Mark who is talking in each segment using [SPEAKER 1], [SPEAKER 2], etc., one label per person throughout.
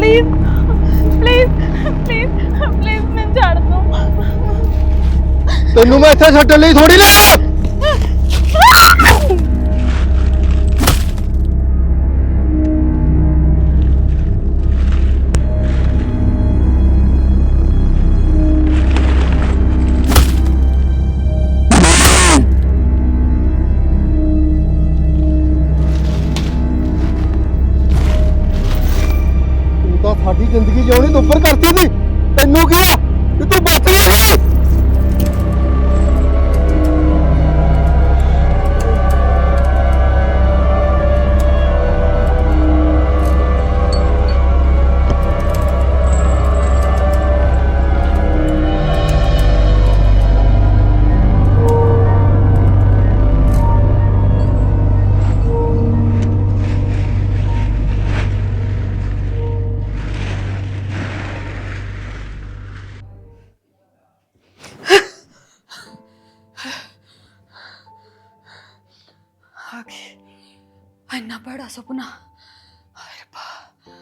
[SPEAKER 1] Please please please please मैं छाड़ दो।
[SPEAKER 2] ਤੈਨੂੰ ਮੈਂ ਇੱਥੇ ਛੱਡਣ ਲਈ ਥੋੜੀ ਲਿਆ। ਤੂੰ ਤਾਂ ਸਾਡੀ ਜ਼ਿੰਦਗੀ ਜਿਉਣੀ ਦੁੱਪਰ ਕਰਤੀ ਸੀ। ਤੈਨੂੰ ਕੀ ਆ ਕਿ ਤੂੰ ਬਚ ਗਈ ਸੀ?
[SPEAKER 1] इन्ना बड़ा सुपना। हाय रब्बा,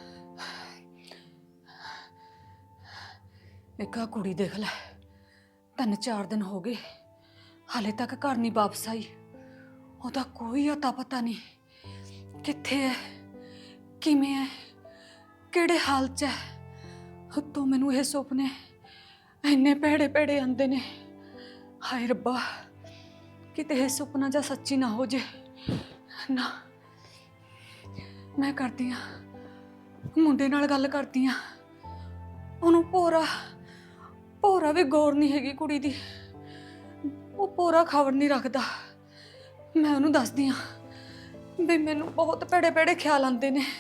[SPEAKER 1] एक कुड़ी देख लै, 3-4 दिन हो गए हाले तक घर नहीं वापस आई। ओदा कोई अता पता नहीं कित्थे है, किवें है, किहड़े हाल च है। तो मैनू ये सुपने इन्ने भैड़े भैड़े आंदे ने। हाय रब्बा, किते ये सुपना जा सच्ची ना हो जे ना। मैं करती हाँ मुंडे नाल गल करती हाँ, उन्होंने भोरा भोरा भी गौर नहीं हैगी कुड़ी दी। वो भोरा खबर नहीं रखता। मैं उन्होंने दसदी हाँ भी मैनू बहुत भैड़े भैड़े ख्याल आते ने।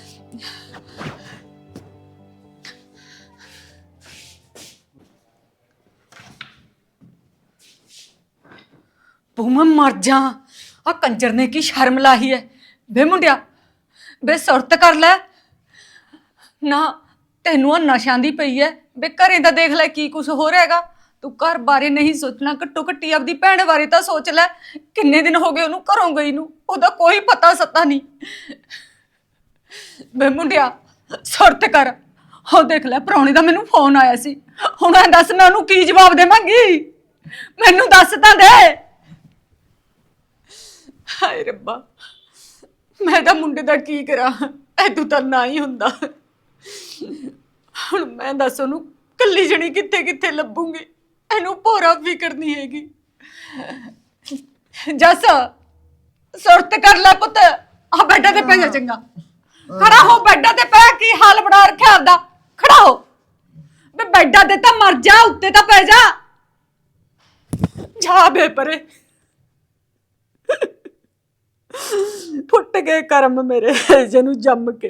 [SPEAKER 1] तू मैं मर जा, आ कंजर ने की शर्म लाई है। बे मुंडिया बे सुरत कर लै ना, तेनू नशा दी पई है। बे घरें दा देख लै की कुछ हो रहेगा। तू घर बारे नहीं सोचना, घट्टो घट्टी अपनी भैन बारे तो सोच लै। किन्ने दिन हो गए उन्होंने घरों गई नू, ओदा कोई पता सता नहीं। बे मुंडिया सुरत कर। हो देख लै परौने दा मैनू फोन आया सी, हुण दस मैं उन्होंने की जवाब देवांगी? मैनू दस तां दे। हाय रब्बा, मैं तो मुंडे दा की करा, ऐदू तां ना ही हुंदा। हुण मैं दस ओनू कल्ली जणी कित्थे कित्थे लभूंगी। इनू भोरा फिकर नहीं हैगी। जस सुरत कर लै पुत्त, आ बैडा ते पै जा। चंगा खड़ा हो, बैडा ते पै। की हाल बना रखिया आपदा? खड़ा हो बे, बैडा ते तां मर जा, उत्ते तां पै जा। जा बे परे, फुट गए कर्म मेरे जनू जम के।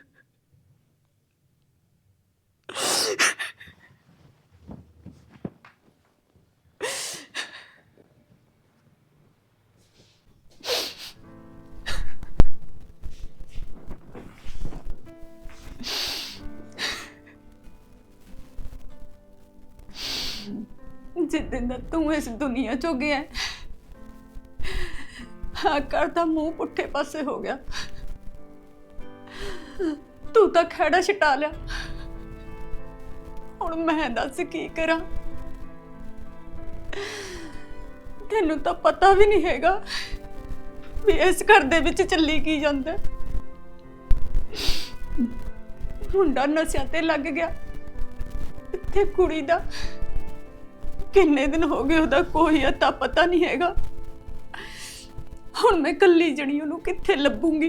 [SPEAKER 1] जिस दिन दा तू इस दुनिया चो गया घर का मुंह पुट्ठे पासे हो गया। तू तो खैड़ा छटा लिया, हुण मैं दस की करा। तेनू तो पता भी नहीं हैगा भी इस घर दे विच चली की जांदा। मुंडा नशा ते लग गया, इत्थे कुड़ी दा किन्ने दिन हो गए ओदा कोई अता पता नहीं हैगा। हुण मैं कल्ली जणी ओनू कित्थे लभूंगी?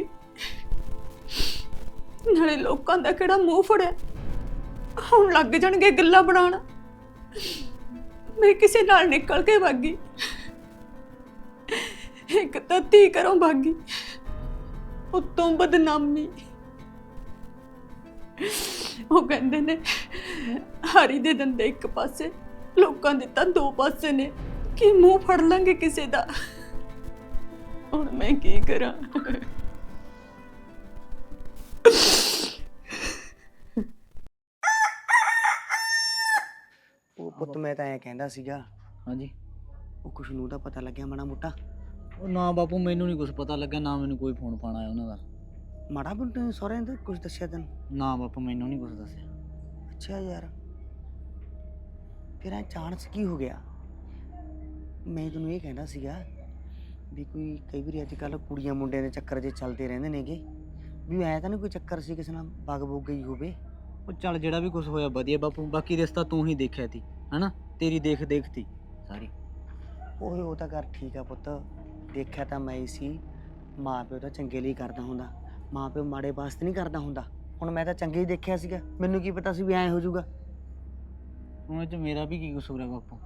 [SPEAKER 1] नाले लोकां दा किहड़ा मूंह फड़िया, हुण लग जाणगे गल्लां बनाउण। मैं किसे नाल निकल के भागी, एक तां धी घरों भागी, उत्तों बदनामी। वो कहंदे ने हारी दे दंदे एक पासे, लोकां दे तां दो पासे ने। कि मूंह फड़ लांगे किसे दा? हुण मैं की करा?
[SPEAKER 3] ਉਹ ਪੁੱਤ ਮੈਂ ਤਾਂ ਐਂ ਕਹਿੰਦਾ ਸੀਗਾ,
[SPEAKER 4] ਹਾਂਜੀ।
[SPEAKER 3] ਉਹ ਕੁਛ ਨੂੰ ਤਾਂ ਪਤਾ ਲੱਗਿਆ ਮਾੜਾ ਮੋਟਾ?
[SPEAKER 4] ਉਹ ਨਾ ਬਾਪੂ, ਮੈਨੂੰ ਨਹੀਂ ਕੁਝ ਪਤਾ ਲੱਗਾ, ਨਾ ਮੈਨੂੰ ਕੋਈ ਫੋਨ ਫਾਨ ਆਇਆ ਉਹਨਾਂ ਦਾ।
[SPEAKER 3] ਮਾੜਾ ਬੁੰਟੇ ਸਹੁਰਿਆਂ ਦਾ ਕੁਝ ਦੱਸਿਆ ਤੈਨੂੰ?
[SPEAKER 4] ਨਾ ਬਾਪੂ ਮੈਨੂੰ ਨਹੀਂ ਕੁਝ ਦੱਸਿਆ।
[SPEAKER 3] ਅੱਛਾ ਯਾਰ, ਫਿਰ ਇਹ ਚਾਂਸ ਕੀ ਹੋ ਗਿਆ? ਮੈਂ ਤੈਨੂੰ ਇਹ ਕਹਿੰਦਾ ਸੀਗਾ ਵੀ ਕੋਈ ਕਈ ਵਾਰੀ ਅੱਜ ਕੱਲ੍ਹ ਕੁੜੀਆਂ ਮੁੰਡਿਆਂ ਦੇ ਚੱਕਰ ਜੇ ਚੱਲਦੇ ਰਹਿੰਦੇ ਨੇਗੇ, ਵੀ ਐਂ ਤਾਂ ਨਹੀਂ ਕੋਈ ਚੱਕਰ ਸੀ ਕਿਸੇ ਨਾਲ ਵਗ ਬੁੱਗ ਗਈ ਹੋਵੇ?
[SPEAKER 4] ਉਹ ਚੱਲ ਜਿਹੜਾ ਵੀ ਕੁਝ ਹੋਇਆ ਵਧੀਆ ਬਾਪੂ, ਬਾਕੀ ਰਿਸ਼ਤਾ ਤੂੰ ਹੀ ਦੇਖਿਆ ਤੀ ਹਨਾ, ਤੇਰੀ ਦੇਖ ਤੀ ਸਾਰੀ।
[SPEAKER 3] ਓਏ ਉਹ ਤਾਂ ਕਰ ਠੀਕ ਆ ਪੁੱਤ, ਦੇਖਿਆ ਤਾਂ ਮੈਂ ਹੀ ਸੀ। ਮਾਂ ਪਿਓ ਤਾਂ ਚੰਗੇ ਲਈ ਕਰਦਾ ਹੁੰਦਾ, ਮਾਂ ਪਿਓ ਮਾੜੇ ਵਾਸਤੇ ਨਹੀਂ ਕਰਦਾ ਹੁੰਦਾ। ਹੁਣ ਮੈਂ ਤਾਂ ਚੰਗੇ ਹੀ ਦੇਖਿਆ ਸੀਗਾ, ਮੈਨੂੰ ਕੀ ਪਤਾ ਸੀ ਵੀ ਐਂ ਹੋ ਜਾਊਗਾ।
[SPEAKER 4] ਹੁਣ ਇਹ 'ਚ ਮੇਰਾ ਵੀ ਕੀ ਕਸੂਰ ਹੈ ਬਾਪੂ?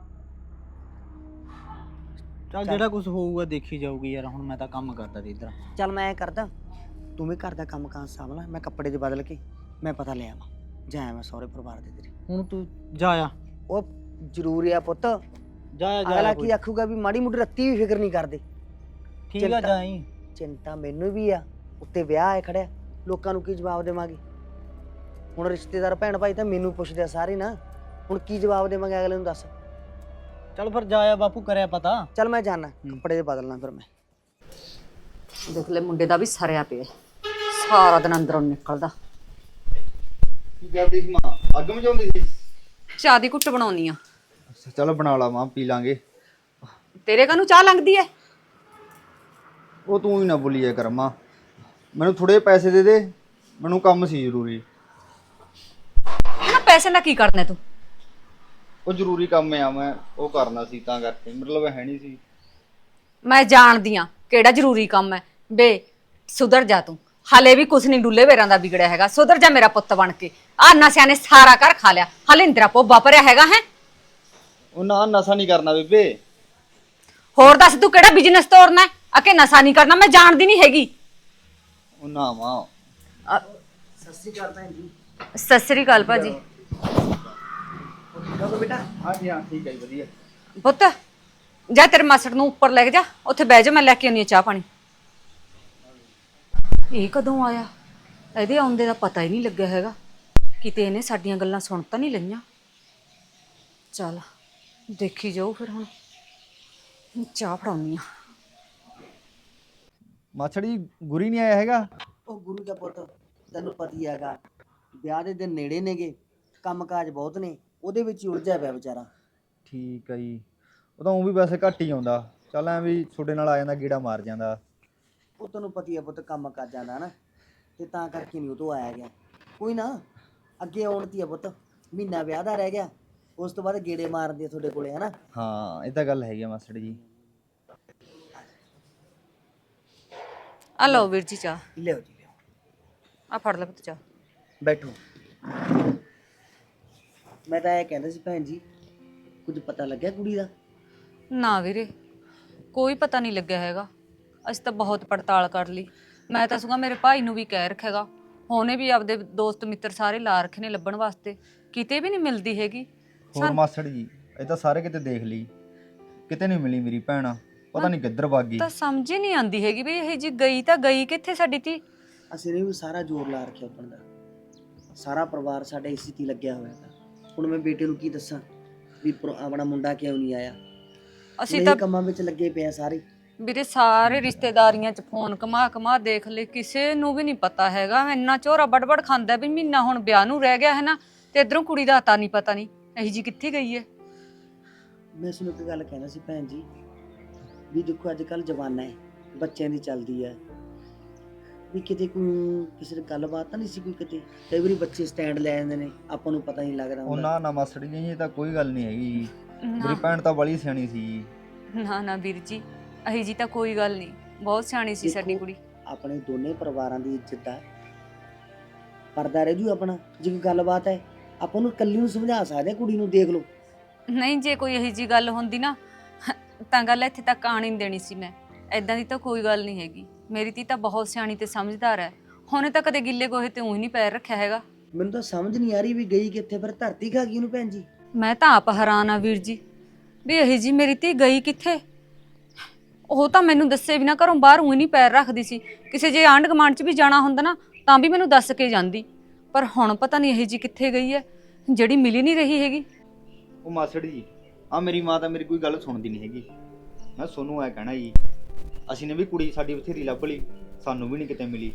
[SPEAKER 4] ਚੱਲ ਜਿਹੜਾ ਕੁਝ ਹੋਊਗਾ ਦੇਖੀ ਜਾਊਗੀ ਯਾਰ, ਹੁਣ ਮੈਂ ਤਾਂ ਕੰਮ ਕਰਦਾ ਸੀ ਇੱਧਰ।
[SPEAKER 3] ਚੱਲ ਮੈਂ ਐਂ ਕਰਦਾ, ਤੂੰ ਵੀ ਘਰ ਦਾ ਕੰਮ ਕਾਰ ਸਾਂਭ ਲੈ, ਮੈਂ ਕੱਪੜੇ 'ਚ ਬਦਲ ਕੇ ਮੈਂ ਪਤਾ ਲੈ ਆਵਾਂ, ਜਾਇਆ ਮੈਂ ਸਹੁਰੇ ਪਰਿਵਾਰ ਦੇ ਤੇਰੇ।
[SPEAKER 4] ਹੁਣ ਤੂੰ ਜਾ ਆ।
[SPEAKER 3] ਉਹ ਜ਼ਰੂਰੀ ਆ ਪੁੱਤ,
[SPEAKER 4] ਜਾ
[SPEAKER 3] ਅਗਲਾ ਕੀ ਆਖੂਗਾ ਵੀ ਮਾੜੀ ਮੋਟੀ ਰੱਤੀ ਵੀ ਫਿਕਰ ਨਹੀਂ ਕਰਦੇ।
[SPEAKER 4] ਠੀਕ ਆ, ਜਾਈ।
[SPEAKER 3] ਚਿੰਤਾ ਮੈਨੂੰ ਵੀ ਆ, ਉੱਤੇ ਵਿਆਹ ਆਏ ਖੜਿਆ, ਲੋਕਾਂ ਨੂੰ ਕੀ ਜਵਾਬ ਦੇਵਾਂਗੇ? ਹੁਣ ਰਿਸ਼ਤੇਦਾਰ ਭੈਣ ਭਾਈ ਤਾਂ ਮੈਨੂੰ ਪੁੱਛਦੇ ਆ ਸਾਰੇ ਨਾ, ਹੁਣ ਕੀ ਜਵਾਬ ਦੇਵਾਂਗੇ ਅਗਲੇ ਨੂੰ ਦੱਸ?
[SPEAKER 4] ਚੱਲ ਫਿਰ ਜਾ ਆ ਬਾਪੂ, ਕਰਿਆ ਪਤਾ।
[SPEAKER 3] ਚੱਲ ਮੈਂ ਜਾਣਾ, ਕੱਪੜੇ ਦੇ ਬਦਲਣਾ ਫਿਰ ਮੈਂ।
[SPEAKER 1] ਦੇਖ ਲੈ ਮੁੰਡੇ ਦਾ ਵੀ ਸਰਿਆ ਪਿਆ, ਸਾਰਾ ਦਿਨ ਅੰਦਰੋਂ ਨਿਕਲਦਾ।
[SPEAKER 5] ਕੀ ਕਰਦੀ ਸੀ ਮਾਂ? ਅੱਗ ਮਚਾਉਂਦੀ ਸੀ?
[SPEAKER 1] ਚਾਹ ਦੀ ਘੁੱਟ ਬਣਾਉਣੀ ਆ।
[SPEAKER 5] ਅੱਛਾ ਚੱਲ ਬਣਾ ਲਾ ਮਾਂ, ਪੀ ਲਾਂਗੇ।
[SPEAKER 1] ਤੇਰੇ ਕਾਹਨੂੰ ਚਾਹ ਲੰਘਦੀ ਐ?
[SPEAKER 5] ਉਹ ਤੂੰ ਹੀ ਨਾ ਬੋਲੀਏ ਕਰ ਮਾਂ, ਮੈਨੂੰ ਥੋੜੇ ਪੈਸੇ ਦੇ ਦੇ, ਮੈਨੂੰ ਕੰਮ ਸੀ ਜ਼ਰੂਰੀ।
[SPEAKER 1] ਨਾ ਪੈਸੇ ਨਾਲ ਕੀ ਕਰਨਾ ਤੂੰ?
[SPEAKER 5] ਉਹ ਜ਼ਰੂਰੀ ਕੰਮ ਆ, ਮੈਂ ਉਹ ਕਰਨਾ ਸੀ ਤਾਂ ਕਰਕੇ, ਮਤਲਬ ਹੈ ਨਹੀਂ ਸੀ।
[SPEAKER 1] ਮੈਂ ਜਾਣਦੀ ਆ ਕਿਹੜਾ ਜ਼ਰੂਰੀ ਕੰਮ ਹੈ। ਬੇ ਸੁਧਰ ਜਾ ਤੂੰ, ਹਲੇ ਵੀ ਕੁਛ ਨਹੀਂ ਡੁੱਲੇ ਵੇਰਾਂ ਦਾ ਵਿਗੜਿਆ ਹੈਗਾ। ਸੁਧਰ ਜਾ ਮੇਰਾ ਪੁੱਤ ਬਣ ਕੇ। ਆ ਨਸਿਆਂ ਨੇ ਸਾਰਾ ਘਰ ਖਾ ਲਿਆ, ਹਲੇ ਇੰਦਰਾ ਪੋਬਾ ਭਰਿਆ ਹੈਗਾ ਹੈ।
[SPEAKER 5] ਉਹ ਨਾ ਨਸ਼ਾ ਨਹੀਂ ਕਰਨਾ ਬੇਬੇ।
[SPEAKER 1] ਹੋਰ ਦੱਸ ਤੂੰ ਕਿਹੜਾ ਬਿਜ਼ਨਸ ਤੋਰਨਾ ਹੈ? ਅਕੇ ਨਸ਼ਾ ਨਹੀਂ ਕਰਨਾ, ਮੈਂ ਜਾਣਦੀ ਨਹੀਂ ਹੈਗੀ।
[SPEAKER 5] ਉਹ ਨਾ ਮਾਂ।
[SPEAKER 3] ਸਤਿ ਸ਼੍ਰੀ ਅਕਾਲ ਭੈਣ ਜੀ।
[SPEAKER 1] ਸਤਿ ਸ੍ਰੀ ਅਕਾਲ ਭਾਜੀ।
[SPEAKER 3] ਠੀਕ ਹੋ ਬੇਟਾ?
[SPEAKER 5] ਹਾਂਜੀ ਹਾਂ ਠੀਕ ਹੈ ਜੀ, ਵਧੀਆ।
[SPEAKER 1] ਪੁੱਤ ਜਾ ਤੇਰੇ ਮਾਸੜ ਨੂੰ ਉੱਪਰ ਲੈ ਕੇ ਜਾ, ਉੱਥੇ ਬਹਿ ਜਾ, ਮੈਂ ਲੈ ਕੇ ਆਉਣੀ ਆ ਚਾਹ ਪਾਣੀ। ਇਹ ਕਦੋਂ ਆਇਆ? ਇਹਦੇ ਆਉਂਦੇ ਦਾ ਪਤਾ ਹੀ ਨਹੀਂ ਲੱਗਿਆ ਹੈਗਾ, ਕਿਤੇ ਇਹਨੇ ਸਾਡੀਆਂ ਗੱਲਾਂ ਸੁਣ ਤਾਂ ਨਹੀਂ ਲਈਆਂ। ਚੱਲ ਦੇਖੀ ਜਾਓ ਫਿਰ, ਹੁਣ ਚਾਹ ਫੜਾਉਣੀ ਆ।
[SPEAKER 5] ਮਾਛੜੀ ਗੁਰੀ ਨਹੀਂ ਆਇਆ ਹੈਗਾ?
[SPEAKER 3] ਉਹ ਗੁਰੂ ਦਾ ਪੁੱਤ, ਤੈਨੂੰ ਪਤਾ ਹੀ ਹੈਗਾ, ਵਿਆਹ ਦੇ ਦਿਨ ਨੇੜੇ ਨੇਗੇ, ਕੰਮ ਕਾਜ ਬਹੁਤ ਨੇ, ਉਹਦੇ ਵਿੱਚ ਹੀ ਉਲਝਿਆ ਪਿਆ ਵਿਚਾਰਾ।
[SPEAKER 5] ਠੀਕ ਆ ਜੀ, ਉਹ ਤਾਂ ਉਹ ਵੀ ਵੈਸੇ ਘੱਟ ਹੀ ਆਉਂਦਾ, ਚੱਲ ਐ ਵੀ ਤੁਹਾਡੇ ਨਾਲ ਆ ਜਾਂਦਾ, ਗੇੜਾ ਮਾਰ ਜਾਂਦਾ।
[SPEAKER 3] ਉਹ ਤੈਨੂੰ ਪਤਾ ਹੀ ਆ ਪੁੱਤ, ਕੰਮ ਕਰ ਜਾਂਦਾ ਨਾ, ਤੇ ਤਾਂ ਕਰਕੇ ਨਹੀਂ ਉਹ ਤੋਂ ਆਇਆ ਗਿਆ। ਕੋਈ ਨਾ, ਅੱਗੇ ਆਉਣ ਤੀ ਆ ਪੁੱਤ, ਮਹੀਨਾ ਵਿਆਹ ਦਾ ਰਹਿ ਗਿਆ, ਉਸ ਤੋਂ ਬਾਅਦ ਗੇੜੇ ਮਾਰਦੇ ਆ ਤੁਹਾਡੇ ਕੋਲੇ, ਹਨਾ?
[SPEAKER 5] ਹਾਂ ਇਹ ਤਾਂ ਗੱਲ ਹੈਗੀ ਆ ਮਾਸੜ ਜੀ।
[SPEAKER 1] ਆ ਲਓ ਵੀਰ ਜੀ ਚਾਹ,
[SPEAKER 3] ਲਿਓ ਜੀ ਲਿਓ,
[SPEAKER 1] ਆ ਫੜ ਲੈ ਪੁੱਤ ਚਾਹ।
[SPEAKER 3] ਬੈਠੋ। ਮੈਂ ਤਾਂ ਇਹ ਕਹਿੰਦਾ ਸੀ ਭੈਣ ਜੀ, ਕੁਝ ਪਤਾ ਲੱਗਿਆ ਕੁੜੀ ਦਾ?
[SPEAKER 1] ਨਾ ਵੀਰੇ, ਕੋਈ ਪਤਾ ਨਹੀਂ ਲੱਗਿਆ ਹੈਗਾ। ਅਸੀਂ ਤਾਂ ਬਹੁਤ ਪੜਤਾਲ ਕਰ ਲਈ। ਮੈਂ ਤਾਂ ਸਗੋਂ ਮੇਰੇ ਭਾਈ ਨੂੰ ਵੀ ਕਹਿ ਰੱਖਿਆਗਾ, ਉਹਨੇ ਵੀ ਆਪਦੇ ਦੋਸਤ ਮਿੱਤਰ ਸਾਰੇ ਲਾ ਰੱਖੇ ਨੇ ਲੱਭਣ ਵਾਸਤੇ, ਕਿਤੇ ਵੀ ਨਹੀਂ ਮਿਲਦੀ ਹੈਗੀ।
[SPEAKER 5] ਹੋਰ ਮਾਸੜ ਜੀ, ਇਹ ਤਾਂ ਸਾਰੇ ਕਿਤੇ ਦੇਖ ਲਈ, ਕਿਤੇ ਨਹੀਂ ਮਿਲੀ ਮੇਰੀ ਭੈਣ, ਪਤਾ ਨਹੀਂ ਕਿੱਧਰ ਭੱਗ ਗਈ।
[SPEAKER 1] ਤਾਂ ਸਮਝ ਹੀ ਨਹੀਂ ਆਉਂਦੀ ਹੈਗੀ ਵੀ ਇਹ ਜੀ ਗਈ ਤਾਂ ਗਈ ਕਿੱਥੇ ਸਾਡੀ ਧੀ।
[SPEAKER 3] ਅਸੀਂ ਨੇ ਵੀ ਸਾਰਾ ਜ਼ੋਰ ਲਾ ਰੱਖਿਆ ਉੱਪਰ ਦਾ, ਸਾਰਾ ਪਰਿਵਾਰ ਸਾਡੇ ਇਸੇ ਤੇ ਲੱਗਿਆ ਹੋਇਆ ਹੈ। ਹੁਣ ਮੈਂ ਬੇਟੇ ਨੂੰ ਕੀ ਦੱਸਾਂ ਵੀ ਆਪਣਾ ਮੁੰਡਾ ਕਿਉਂ ਨਹੀਂ ਆਇਆ?
[SPEAKER 1] ਅਸੀਂ ਤਾਂ
[SPEAKER 3] ਕੰਮਾਂ ਵਿੱਚ ਲੱਗੇ ਪਏ ਆ ਸਾਰੇ।
[SPEAKER 1] ਵੀਰੇ ਸਾਰੇ ਰਿਸ਼ਤੇਦਾਰੀਆਂ 'ਚ ਫੋਨ ਘਮਾ ਦੇਖ ਲਏ, ਕਿਸੇ ਨੂੰ ਵੀ ਨਹੀਂ ਪਤਾ ਹੈਗਾ। ਇੰਨਾ ਝੋਰਾ ਬੜਬੜ ਖਾਂਦਾ ਵੀ ਮਹੀਨਾ ਹੁਣ ਵਿਆਹ ਨੂੰ ਰਹਿ ਗਿਆ ਹੈ ਨਾ, ਤੇ ਇਧਰੋਂ ਕੁੜੀ ਦਾ ਹਤਾ ਨਹੀਂ ਪਤਾ ਨਹੀਂ ਇਹੀ ਜੀ ਕਿੱਥੇ ਗਈ ਹੈ।
[SPEAKER 3] ਮੈਂ ਤੁਹਾਨੂੰ ਇੱਕ ਗੱਲ ਕਹਿਣਾ ਸੀ ਭੈਣ ਜੀ, ਵੀ ਦੇਖੋ ਅੱਜ ਕੱਲ੍ਹ ਜ਼ਮਾਨਾ ਹੈ, ਬੱਚਿਆਂ ਦੀ ਚੱਲਦੀ ਹੈ, ਵੀ ਕਿਤੇ ਕੋਈ ਕਿਸੇ ਦੀ ਗੱਲਬਾਤ ਤਾਂ ਨਹੀਂ ਸੀ ਕੋਈ? ਕਿਤੇ ਕਈ ਵਾਰੀ ਬੱਚੇ ਸਟੈਂਡ ਲੈ ਜਾਂਦੇ ਨੇ, ਆਪਾਂ ਨੂੰ ਪਤਾ ਨਹੀਂ ਲੱਗਦਾ
[SPEAKER 5] ਉਹ
[SPEAKER 3] ਹੁੰਦਾ।
[SPEAKER 5] ਨਾ ਮਾਸੜ ਜੀ, ਇਹ ਤਾਂ ਕੋਈ ਗੱਲ ਨਹੀਂ ਹੈਗੀ, ਮੇਰੀ
[SPEAKER 1] ਨਾ
[SPEAKER 5] ਭੈਣ ਤਾਂ ਬੜੀ ਸਿਆਣੀ ਸੀ।
[SPEAKER 1] ਨਾ ਵੀਰ ਜੀ, ਇਹੀ ਜੀ ਤਾਂ ਕੋਈ ਗੱਲ ਨਹੀਂ, ਬਹੁਤ ਸਿਆਣੀ ਸੀ ਸਾਡੀ ਕੁੜੀ।
[SPEAKER 3] ਆਪਣੇ ਦੋਨੇ ਪਰਿਵਾਰਾਂ ਦੀ ਇੱਜ਼ਤ ਹੈ, ਪਰਦਾ ਰਹਿ ਜੂ ਆਪਣਾ। ਜੇ ਕੋਈ ਗੱਲਬਾਤ ਹੈ ਆਪਾਂ ਨੂੰ ਇਕੱਲੀ ਨੂੰ ਸਮਝਾ ਸਕਦੇ, ਕੁੜੀ ਨੂੰ ਦੇਖ ਲਓ।
[SPEAKER 1] ਨਹੀਂ ਜੇ ਕੋਈ ਇਹੀ ਜੀ ਗੱਲ ਹੁੰਦੀ ਨਾ ਤਾਂ ਗੱਲ ਇੱਥੇ ਤੱਕ ਆਣ ਹੀ ਨਹੀਂ ਦੇਣੀ ਸੀ ਮੈਂ। ਐਦਾਂ ਦੀ ਤਾਂ ਕੋਈ ਗੱਲ ਨਹੀਂ ਹੈਗੀ, ਮੇਰੀ ਧੀ ਤਾਂ ਬਹੁਤ ਸਿਆਣੀ ਤੇ ਸਮਝਦਾਰ ਹੈ। ਹੁਣੇ ਤਾਂ ਕਦੇ ਗਿੱਲੇ ਗੋਹੇ ਤੇ ਊਂ ਨਹੀਂ ਪੈਰ ਰੱਖਿਆ ਹੈਗਾ।
[SPEAKER 3] ਮੈਨੂੰ ਤਾਂ ਸਮਝ ਨਹੀਂ ਆ ਰਹੀ ਵੀ ਗਈ ਕਿੱਥੇ, ਫਿਰ ਧਰਤੀ ਖਾ ਗਈ ਉਹਨੂੰ ਭੈਣ ਜੀ।
[SPEAKER 1] ਮੈਂ ਤਾਂ ਆਪ ਹੈਰਾਨ ਆ ਵੀਰ ਜੀ, ਵੀ ਇਹੀ ਜੀ ਮੇਰੀ ਧੀ ਗਈ ਕਿੱਥੇ। ਉਹ ਤਾਂ ਮੈਨੂੰ ਦੱਸੇ ਬਿਨਾਂ ਘਰੋਂ ਬਾਹਰ ਊਂ ਨਹੀਂ ਪੈਰ ਰੱਖਦੀ ਸੀ। ਕਿਸੇ ਜੇ ਆਂਢ ਗੁਆਂਢ 'ਚ ਵੀ ਜਾਣਾ ਹੁੰਦਾ ਨਾ ਤਾਂ ਵੀ ਮੈਨੂੰ ਦੱਸ ਕੇ ਜਾਂਦੀ, ਪਰ ਹੁਣ ਪਤਾ ਨਹੀਂ ਇਹੀ ਜੀ ਕਿੱਥੇ ਗਈ ਹੈ ਜਿਹੜੀ ਮਿਲ ਨਹੀਂ ਰਹੀ ਹੈਗੀ।
[SPEAKER 5] ਉਹ ਮਾਸੜ ਜੀ, ਆ ਮੇਰੀ ਮਾਂ ਤਾਂ ਮੇਰੀ ਕੋਈ ਗੱਲ ਸੁਣਦੀ ਨਹੀਂ ਹੈਗੀ। ਮੈਂ ਸੋਨੂੰ ਐ ਕਹਿਣਾ ਜੀ, ਅਸੀਂ ਨੇ ਵੀ ਕੁੜੀ ਸਾਡੀ ਬਥੇਰੀ ਲੱਭ ਲਈ, ਸਾਨੂੰ ਵੀ ਨਹੀਂ ਕਿਤੇ ਮਿਲੀ।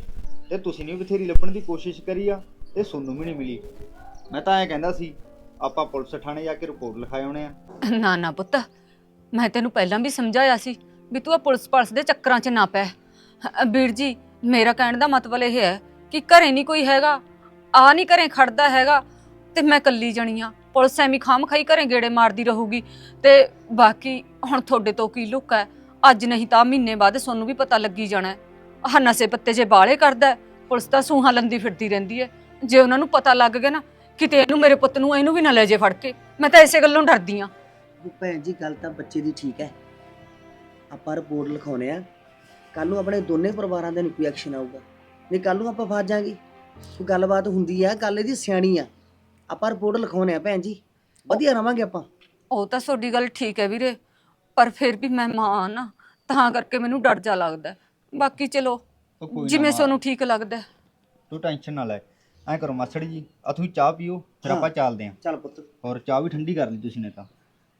[SPEAKER 5] ਤੇ ਤੁਸੀਂ ਨੇ ਬਥੇਰੀ ਲੱਭਣ ਦੀ ਕੋਸ਼ਿਸ਼ ਕਰੀ ਆ ਤੇ ਸੋਨੂੰ ਵੀ ਨਹੀਂ ਮਿਲੀ। ਮੈਂ ਤਾਂ ਐਂ ਕਹਿੰਦਾ ਸੀ ਆਪਾਂ ਪੁਲਿਸ ਥਾਣੇ ਜਾ ਕੇ ਰਿਪੋਰਟ ਲਿਖਾ ਆਉਣੇ ਆ।
[SPEAKER 1] ਨਾ ਨਾ ਪੁੱਤ, ਮੈਂ ਤੈਨੂੰ ਪਹਿਲਾਂ ਵੀ ਸਮਝਾਇਆ ਸੀ ਵੀ ਤੂੰ ਆ ਪੁਲਿਸ ਦੇ ਚੱਕਰਾਂ 'ਚ ਨਾ ਪੈ। ਵੀਰ ਜੀ, ਮੇਰਾ ਕਹਿਣ ਦਾ ਮਤਲਬ ਇਹ ਹੈ ਕਿ ਘਰੇ ਨਹੀਂ ਕੋਈ ਹੈਗਾ, ਆ ਨਹੀਂ ਘਰੇ ਖੜਦਾ ਹੈਗਾ, ਤੇ ਮੈਂ ਕੱਲੀ ਜਣੀ ਆ। ਪੁਲਿਸ ਐਵੇਂ ਖਾਮ ਖਾਈ ਘਰੇ ਗੇੜੇ ਮਾਰਦੀ ਰਹੂਗੀ। ਤੇ ਬਾਕੀ ਹੁਣ ਤੁਹਾਡੇ ਤੋਂ ਕੀ ਲੁੱਕ ਹੈ, ਅੱਜ ਨਹੀਂ ਤਾਂ ਮਹੀਨੇ ਬਾਅਦ ਤੁਹਾਨੂੰ ਵੀ ਪਤਾ ਲੱਗੀ ਜਾਣਾ। ਆਹ ਨਸ਼ੇ ਪੱਤੇ ਜੇ ਬਾਲੇ ਕਰਦਾ ਹੈ, ਪੁਲਿਸ ਤਾਂ ਸੂਹਾਂ ਲੰਦੀ ਫਿਰਦੀ ਰਹਿੰਦੀ ਹੈ। ਜੇ ਉਹਨਾਂ ਨੂੰ ਪਤਾ ਲੱਗ ਗਿਆ ਨਾ ਕਿਤੇ ਇਹਨੂੰ, ਮੇਰੇ ਪੁੱਤ ਨੂੰ, ਇਹਨੂੰ ਵੀ ਨਾ ਲੈ ਜੇ ਫੜ ਕੇ। ਮੈਂ ਤਾਂ ਇਸੇ ਗੱਲੋਂ ਡਰਦੀ ਆ।
[SPEAKER 3] ਭੈਣ ਜੀ ਗੱਲ ਤਾਂ ਬੱਚੇ ਦੀ ਠੀਕ ਹੈ, ਆਪਾਂ ਰਿਪੋਰਟ ਲਿਖਾਉਣੇ ਆ। ਕੱਲ ਨੂੰ ਆਪਣੇ ਦੋਨੇ ਪਰਿਵਾਰਾਂ ਦੇ ਨੂੰ ਕੋਈ ਐਕਸ਼ਨ ਆਊਗਾ, ਨਹੀਂ ਕੱਲ ਨੂੰ ਆਪਾਂ ਫਸ ਜਾਾਂਗੇ। ਕੋਈ ਗੱਲਬਾਤ ਹੁੰਦੀ ਆ, ਗੱਲ ਇਹਦੀ ਸਿਆਣੀ ਆ। ਆਪਾਂ ਰਿਪੋਰਟ ਲਿਖਾਉਣੇ ਆ ਭੈਣ ਜੀ, ਵਧੀਆ ਰਵਾਂਗੇ ਆਪਾਂ।
[SPEAKER 1] ਉਹ ਤਾਂ ਤੁਹਾਡੀ ਗੱਲ ਠੀਕ ਹੈ ਵੀਰੇ, ਪਰ ਫਿਰ ਵੀ ਮੈਂ ਮਾਂ ਆ ਨਾ, ਤਾਂ ਕਰਕੇ ਮੈਨੂੰ ਡਰ ਜਾ ਲੱਗਦਾ। ਬਾਕੀ ਚਲੋ
[SPEAKER 5] ਉਹ ਕੋਈ ਨਾ
[SPEAKER 1] ਜਿਵੇਂ
[SPEAKER 5] ਮਾਂ,
[SPEAKER 1] ਤੁਹਾਨੂੰ ਠੀਕ ਲੱਗਦਾ।
[SPEAKER 5] ਤੂੰ ਟੈਨਸ਼ਨ ਨਾ ਲੈ। ਐਂ ਕਰੋ ਮਾਸੜ ਜੀ, ਆ ਤੁਸੀਂ ਚਾਹ ਪੀਓ, ਫਿਰ ਆਪਾਂ ਚੱਲਦੇ ਆਂ।
[SPEAKER 3] ਚੱਲ ਪੁੱਤ।
[SPEAKER 5] ਔਰ ਚਾਹ ਵੀ ਠੰਡੀ ਕਰ ਲਈ ਤੁਸੀਂ ਨੇ ਤਾਂ।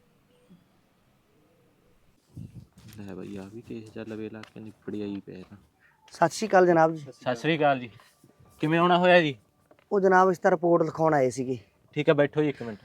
[SPEAKER 6] ਲੈ ਬਈ, ਆ ਵੀ ਕੇਸ ਚੱਲ ਵੇ ਲਾ ਕੇ ਨਿਪੜੀ ਆਈ ਪੈ ਤਾਂ।
[SPEAKER 3] ਸਤਿ ਸ਼੍ਰੀ ਅਕਾਲ ਜਨਾਬ ਜੀ।
[SPEAKER 6] ਸਤਿ ਸ੍ਰੀ ਅਕਾਲ ਜੀ। ਕਿਵੇਂ ਆਉਣਾ ਹੋਇਆ ਜੀ?
[SPEAKER 3] ਉਹ ਜਨਾਬ ਇਸ ਤਾਂ ਰਿਪੋਰਟ ਲਿਖਾਉਣ ਆਏ ਸੀਗੇ।
[SPEAKER 6] ਠੀਕ ਹੈ, ਬੈਠੋ ਜੀ 1 ਮਿੰਟ।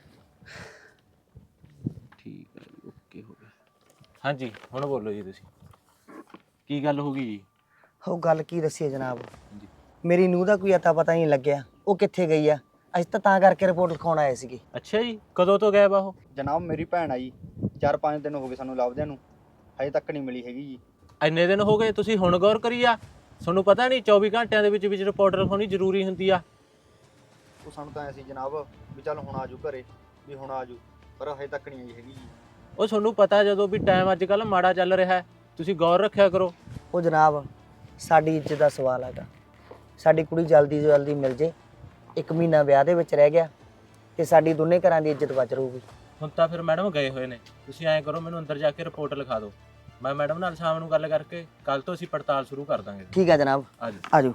[SPEAKER 6] ਠੀਕ ਹੈ ਜੀ, ਓਕੇ ਹੋ ਗਿਆ। ਹਾਂਜੀ ਹੁਣ ਬੋਲੋ ਜੀ, ਤੁਸੀਂ ਕੀ ਗੱਲ ਹੋ ਗਈ ਜੀ?
[SPEAKER 3] ਉਹ ਗੱਲ ਕੀ ਦੱਸੀਏ ਜਨਾਬ,
[SPEAKER 6] ਜੀ
[SPEAKER 3] ਮੇਰੀ ਨੂੰਹ ਦਾ ਕੋਈ ਅਤਾ ਪਤਾ ਨਹੀਂ ਲੱਗਿਆ, ਉਹ ਕਿੱਥੇ ਗਈ ਆ। ਅਸੀਂ ਤਾਂ ਕਰਕੇ ਰਿਪੋਰਟ ਲਿਖਾਉਣ ਆਏ ਸੀਗੇ।
[SPEAKER 6] ਅੱਛਾ ਜੀ, ਕਦੋਂ ਤੋਂ ਗਾਇਬ ਆ ਉਹ?
[SPEAKER 5] ਜਨਾਬ ਮੇਰੀ ਭੈਣ ਆਈ, 4-5 ਦਿਨ ਹੋ ਗਏ ਸਾਨੂੰ ਲੱਭਦਿਆਂ ਨੂੰ, ਹਜੇ ਤੱਕ ਨਹੀਂ ਮਿਲੀ ਹੈਗੀ ਜੀ।
[SPEAKER 6] ਇੰਨੇ ਦਿਨ ਹੋ ਗਏ, ਤੁਸੀਂ ਹੁਣ ਗੌਰ ਕਰੀ ਆ? ਤੁਹਾਨੂੰ ਪਤਾ ਨਹੀਂ 24 ਘੰਟਿਆਂ ਦੇ ਵਿੱਚ ਰਿਪੋਰਟ ਲਿਖਾਉਣੀ ਜ਼ਰੂਰੀ ਹੁੰਦੀ ਆ।
[SPEAKER 5] ਉਹ ਸਾਨੂੰ ਤਾਂ ਐ ਸੀ ਜਨਾਬ ਵੀ ਚੱਲ ਹੁਣ ਆਜੂ ਘਰੇ, ਵੀ ਹੁਣ ਆਜੂ, ਪਰ ਹਜੇ ਤੱਕ ਨਹੀਂ ਆਈ ਹੈਗੀ ਜੀ।
[SPEAKER 6] ਉਹ ਤੁਹਾਨੂੰ ਪਤਾ ਜਦੋਂ ਵੀ ਟਾਈਮ ਅੱਜ ਕੱਲ੍ਹ ਮਾੜਾ ਚੱਲ ਰਿਹਾ ਹੈ, ਤੁਸੀਂ ਗੌਰ ਰੱਖਿਆ ਕਰੋ।
[SPEAKER 3] ਉਹ ਜਨਾਬ ਸਾਡੀ ਇੱਜ਼ਤ ਦਾ ਸਵਾਲ ਹੈਗਾ, ਸਾਡੀ ਕੁੜੀ ਜਲਦੀ ਤੋਂ ਜਲਦੀ ਮਿਲ ਜੇ। 1 ਮਹੀਨਾ ਵਿਆਹ ਦੇ ਵਿੱਚ ਰਹਿ ਗਿਆ ਤੇ ਸਾਡੀ ਦੋਨੇ ਘਰਾਂ ਦੀ ਇੱਜ਼ਤ ਬਚ ਰਹੂਗੀ।
[SPEAKER 6] ਹੁਣ ਤਾਂ ਫਿਰ ਮੈਡਮ ਗਏ ਹੋਏ ਨੇ, ਤੁਸੀਂ ਐਂ ਕਰੋ ਮੈਨੂੰ ਅੰਦਰ ਜਾ ਕੇ ਰਿਪੋਰਟ ਲਿਖਾ ਦਿਓ। ਮੈਂ ਮੈਡਮ ਨਾਲ ਸ਼ਾਮ ਨੂੰ ਗੱਲ ਕਰਕੇ ਕੱਲ ਤੋਂ ਅਸੀਂ ਪੜਤਾਲ ਸ਼ੁਰੂ ਕਰ ਦਾਂਗੇ।
[SPEAKER 3] ਠੀਕ ਹੈ ਜਨਾਬ,
[SPEAKER 6] ਆ ਜਾਓ।
[SPEAKER 3] ਆ ਜਾਓ।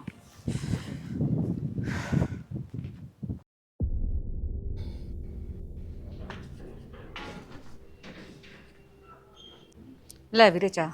[SPEAKER 1] ਲੈ ਵੀਰੇ ਚਾਹ।